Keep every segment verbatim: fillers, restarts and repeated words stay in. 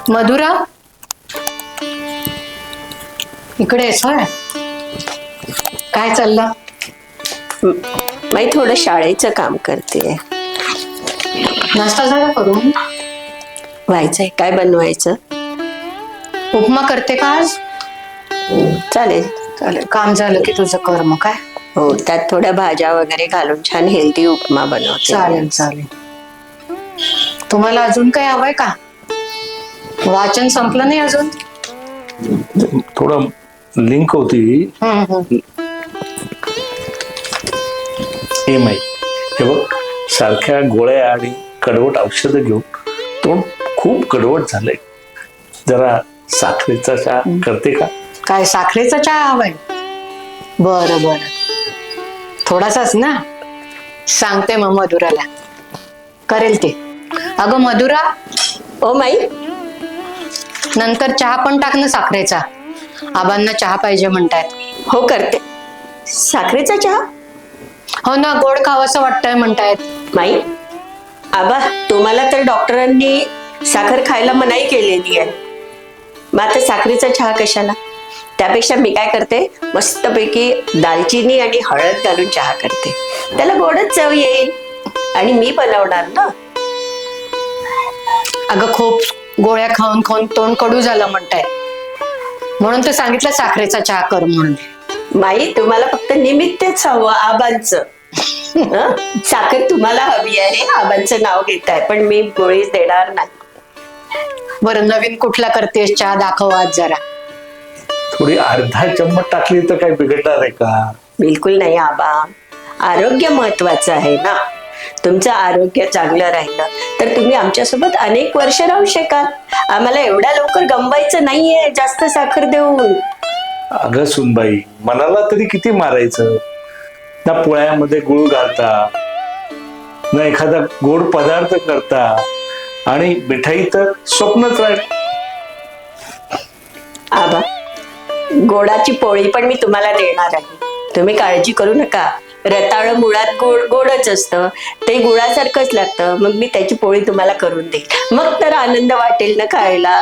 मधुरा, इकडे आहेस होय? काय चाललं? मी थोडं शाळेचं काम करते. नाश्ता झाला करून? व्हायचंय. काय बनवायचं? उपमा करते का आज? चालेल. चालेल, काम झालं की तुझं कर मग. काय हो, त्यात थोड्या भाज्या वगैरे घालून छान हेल्दी उपमा बनवते. चालेल चालेल. तुम्हाला अजून काही हवंय का? वाचन संपलं नाही अजून? थोडं लिंक होती. हम्म, हम्म. हे माही हे बघ, सारख्या गोळ्या आणि कडवट औषधं घेऊन तोंड खूप कडवट झालंय. जरा साखरेचा चहा करते का? काय साखरेचा चहा हवाय? बरं बरं, थोडासाच ना. सांगते मग मधुराला, करेल ते. अगं मधुरा, ओ माई, नंतर चहा पण टाक ना साखरेचा. आबांना चहा पाहिजे म्हणतायत. हो करते. साखरेचा चहा? हो ना, गोड खावंसं वाटतंय म्हणतायत. माई, आबा तुम्हाला तर डॉक्टरांनी साखर खायला मनाई केलेली आहे. मग आता साखरेचा चहा कशाला? त्यापेक्षा मी काय करते, मस्तपैकी दालचिनी आणि हळद घालून चहा करते. त्याला गोडच चव येईल आणि मी बनवणार ना. अगं खूप गोळ्या खाऊन खाऊन तोंड कडू झालं म्हणतायत, म्हणून तर सांगितलं साखरेचा चहा कर म्हणून. माई, तुम्हाला फक्त निमित्तच हवं आबांचं. हं? साखर तुम्हाला हवी आहे, आबांचं नाव घेत आहे, पण मी गोळीच देणार नाही. बरं, नवीन कुठला करतेस चहा दाखव आज जरा. थोडी अर्धा चम्मच टाकली तर काय बिघडणार आहे का? बिलकुल नाही आबा, आरोग्य महत्वाचं आहे ना. तुमचं आरोग्य चांगलं राहिलं तर तुम्ही आमच्यासोबत अनेक वर्ष राहू शकाल. आम्हाला एवढ्या लवकर गमवायचं नाहीये जास्त साखर देऊन. अगं सुनबाई, मनाला तरी किती मारायचं ना. पोळ्यामध्ये गुळ घालता ना, एखादा गोड पदार्थ करता, आणि मिठाई तर स्वप्नच राहील. आबा, गोडाची पोळी पण मी तुम्हाला देणार आहे, तुम्ही काळजी करू नका. रताळ मुळात गोड गोडच असतं, ते गुळासारखंच लागतं. मग मी त्याची पोळी तुम्हाला करून देईल, मग तर आनंद वाटेल ना खायला.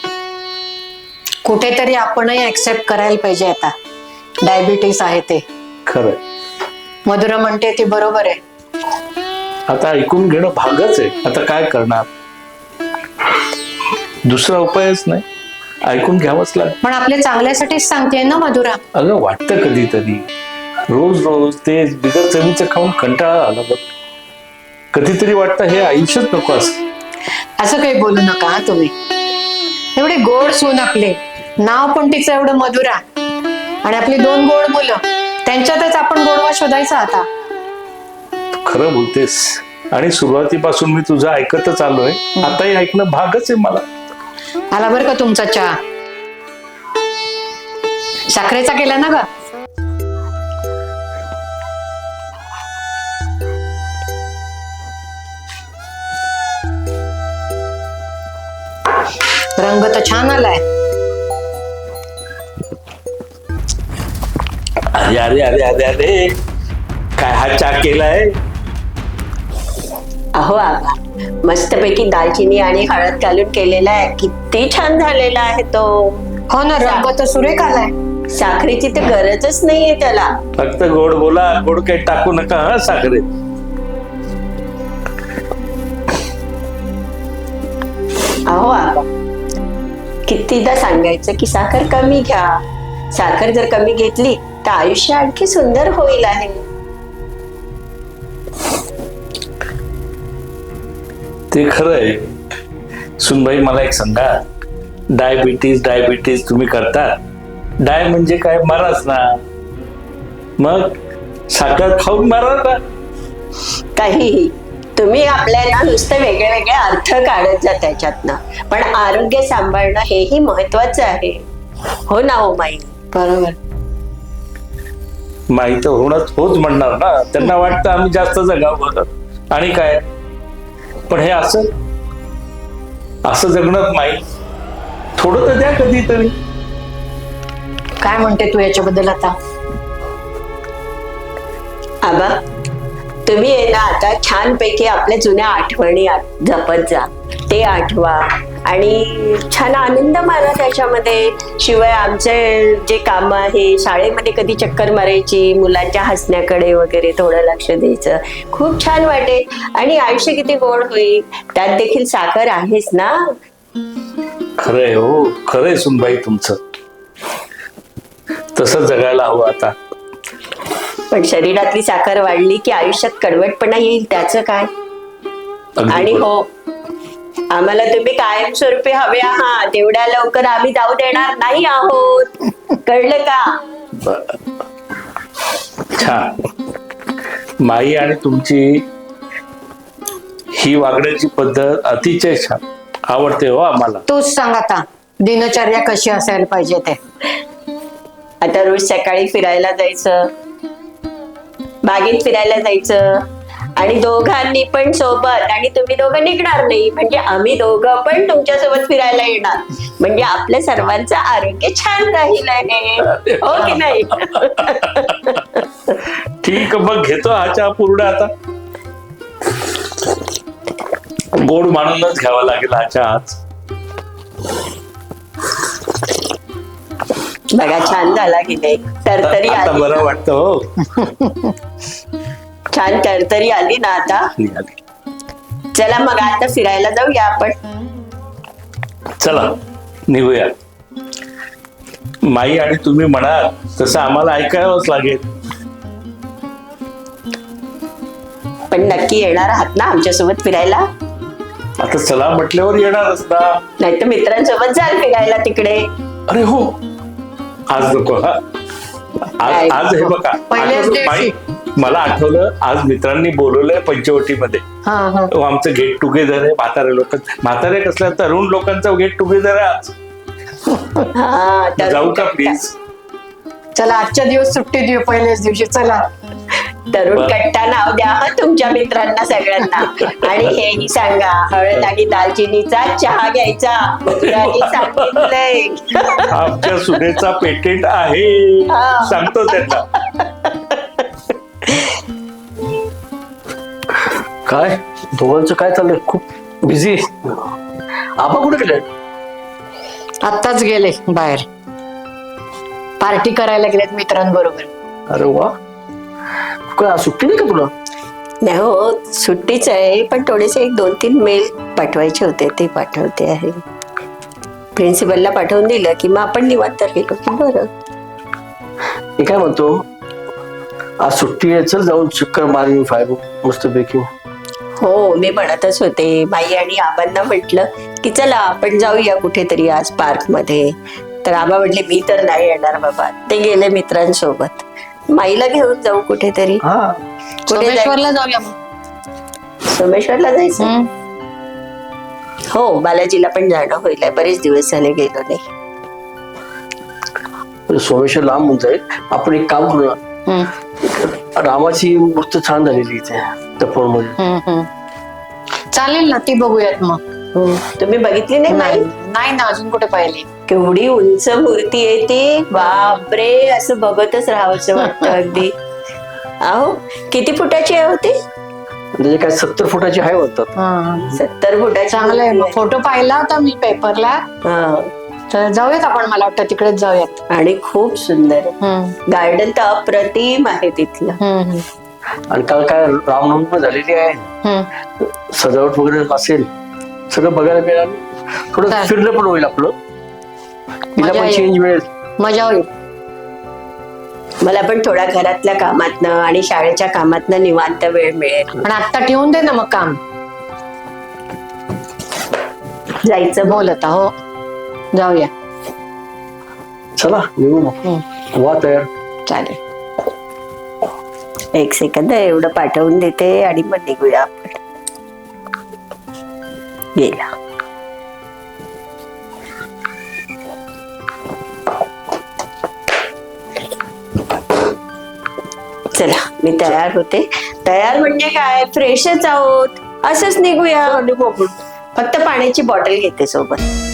कुठेतरी आपणही ऍक्सेप्ट करायला पाहिजे. आता डायबिटीस आहे ते खरं. मधुरा म्हणते ती बरोबर आहे. आता ऐकून घेणं भागच आहे. आता काय करणार, दुसरा उपायच नाही, ऐकून घ्यावंच लागेल. पण आपल्या चांगल्यासाठीच सांगते ना मधुरा. अगं वाटतं कधीतरी, रोज रोज ते बिगर चवीचं खाऊन कंटाळा आला बघ. कधीतरी वाटतं हे आयुष्यच नको असं. असं काही बोलू नका हा तुम्ही. एवढे गोड सून आपले, नाव पण तिचं एवढं मधुरा, आणि आपली दोन गोड मुलं, त्यांच्यातच आपण गोडवा शोधायचा आता. तू खरं बोलतेस, आणि सुरुवातीपासून मी तुझं ऐकतच आलोय. आताही ऐकणं भागच आहे मला. आला बरं का तुमचा चहा. साखरेचा केला ना ग? रंग तर छान आलाय. अरे अरे अरे अरे अरे, काय हा चहा केलाय? अहो आबा, मस्तपैकी दालचिनी आणि हळद घालून केलेला आहे, किती छान झालेला आहे तो. हो ना, रंग तर सुरेख आलाय. साखरेची तर गरजच नाहीये त्याला. फक्त गोड बोला, गोड काही टाकू नका हा साखरेत. अहो आबा, कितीदा सांगायचं की साखर कमी घ्या. साखर जर कमी घेतली तर आयुष्य आणखी सुंदर होईल आहे. ते खरं आहे. सुनबाई, मला एक सांगा, डायबिटीज डायबिटीज तुम्ही करता. डाय म्हणजे काय? मराच ना. मग साखर खाऊन मारा ना. काहीही तुम्ही आपल्याला नुसतं वेगळे वेगळे अर्थ काढत जा त्याच्यातनं, पण आरोग्य सांभाळणं हेही महत्वाचं आहे. हो ना हो माई? बरोबर. माहित होणंच होच म्हणणार ना. त्यांना वाटतं आम्ही जास्त जगावं, आणि काय. पण हे असं असं जगणं माहीत, थोडं तर द्या कधीतरी. काय म्हणते तू याच्याबद्दल आता? आबा, तुम्ही आहे ना आता छानपैकी आपल्या जुन्या आठवणी जपत जा. ते आठवा आणि छान आनंद माना त्याच्यामध्ये. शिवाय आमचे जे काम आहे, शाळेमध्ये कधी चक्कर मारायची, मुलांच्या हसण्याकडे वगैरे थोडं लक्ष द्यायचं, खूप छान वाटेल आणि आयुष्य किती गोड होईल. त्यात देखील साखर आहेच ना. खरंय हो, खरंय सुनबाई तुमचं. तसं जगायला हवं आता. पण शरीरातली साखर वाढली की आयुष्यात कडवटपणा येईल, त्याचं काय. अगदी आणि बरोबर. हो, आम्हाला तुम्ही कायमस्वरूपी हवे आहात, तेवढ्या लवकर आम्ही जाऊ देणार नाही आहोत, कळलं का. छान. माई आणि तुमची ही वागण्याची पद्धत अतिशय छान, आवडते हो आम्हाला. तूच सांग आता दिनचर्या कशी असायला पाहिजे ते. आता रोज सकाळी फिरायला जायचं, बागेत फिरायला जायचं आणि दोघांनी पण सोबत, आणि तुम्ही दोघं निघणार नाही म्हणजे आम्ही दोघं पण तुमच्या सोबत फिरायला येणार, म्हणजे आपल्या सर्वांचं आरोग्य छान राहील आहे, हो की नाही. ठीक, मग घेतो हा चहा पूर्ण. आता गोड मानूनच घ्यावा लागेल हा चहा आज. बघा छान झाला की नाही, तरतरी आता आली, बरं वाटतं हो. छान तरतरी आली ना आता. चला मग आता फिरायला जाऊया आपण. चला निघूया. माई आणि तुम्ही म्हणाल तसं आम्हाला ऐकावंच लागेल. पण नक्की येणार आहात ना आमच्यासोबत फिरायला. आता चला म्हटल्यावर येणारच ना. नाही तर मित्रांसोबत जाल फिरायला तिकडे. अरे हो, आज नको हा. आज आज हे बघा, पहिल्याच आठवलं- दिवशी. माई, मला आठवलं आज मित्रांनी बोलवलंय पंचवटीमध्ये. हा हा तो आमचं गेट टुगेदर आहे. म्हातारे लोक, म्हातारे कसल्या तरुण लोकांचं गेट टुगेदर आहे आज. हा तर जाऊ का प्लीज. चला आजच्या दिवस सुट्टी देऊ पहिल्याच दिवशी. चला तरुण बरं. कट्टा नाव द्या हं तुमच्या मित्रांना सगळ्यांना. आणि हेही सांगा, हळद आणि दालचिनीचा चहा घ्यायचा, मधुराने सांगितलंय. आमच्या सुनेचा पेटेंट आहे, हा. सांगतो त्यांना. काय दोघांचं काय चाललंय? खूप बिझी. आबा कुठे गेले? आत्ताच गेले बाहेर, पार्टी करायला गेलेत मित्रांबरोबर. अरे वा, काय आज सुट्टी नाही का तुला? नाही हो, सुट्टीच आहे, पण थोडेसे एक दोन तीन मेल पाठवायचे होते, ते पाठवते आहे. प्रिन्सिपलला पाठवून दिलं की मग आपण निवांत गेलो की बरं. मी काय म्हणतो, आज सुट्टी आहे, चल जाऊन चक्कर मारून फायबो मस्त पैकी. हो, मी म्हणतच होते, माई आणि आबांना म्हटलं की चला आपण जाऊया कुठेतरी आज पार्क मध्ये. तर आबा म्हटले मी तर नाही येणार बाबा, ते गेले मित्रांसोबत. माईला घेऊन जाऊ कुठेतरी. हा, कुठे जायचं? सोमेश्वरला जाऊया मग. सोमेश्वरला जायचं. हम्म. हो, बालाजीला पण जाणं होईल, बरेच दिवस झाले गेलो नाही. सोमेश्वर लांब होऊन जाईल. आपण एक काम करू ना, हम्म, रामाची मूर्ती छान झालेली इथे तपोवन मध्ये. हम्म, हम्म. चालेल ना, ती बघूयात मग. हो, तुम्ही बघितली नाही माई? नाही नाही ना, अजून कुठे पाहिली. केवढी उंच मूर्ती आहे ती, बापरे, असं बघतच राहावंसं वाटतं अगदी. अहो, किती फुटाची आहे होती? म्हणजे काय सत्तर फुटाची आहे म्हणतात. हा, सत्तर फुटाची चांगलं आहे. मग मूर्ती फोटो पाहिला होता मी पेपरला. आहे. हा. तर जाऊयात आपण, मला वाटतं तिकडेच जाऊयात. आणि खूप सुंदर आहे. हम्म, गार्डन तर अप्रतिम आहे तिथलं. हम्म, हम्म, आणि काल काय रामनवमी पण झालेली आहे, हम्म. सजावट वगैरे असेल, सगळं बघायला मिळेल. थोडं चालेल. फिरणं पण होईल आपलं, तिला मजा पण येईल. चेंज मिळेल. मजा होईल. मला पण थोडा घरातल्या कामातनं आणि शाळेच्या कामातनं निवांत वेळ मिळेल. पण आता ठेवून दे ना मग काम. जायचं बोल. बोल आता. हो, जाऊया. चला निघू मग. हम्म, हो. वा तयार. चालेल. एक सेकंद, एवढं पाठवून देते आणि मग निघूया आपण. गेला. चला मी तयार होते. तयार म्हणजे काय, फ्रेशच आहोत, असंच निघूया. निघू आपण. फक्त पाण्याची बॉटल घेते सोबत.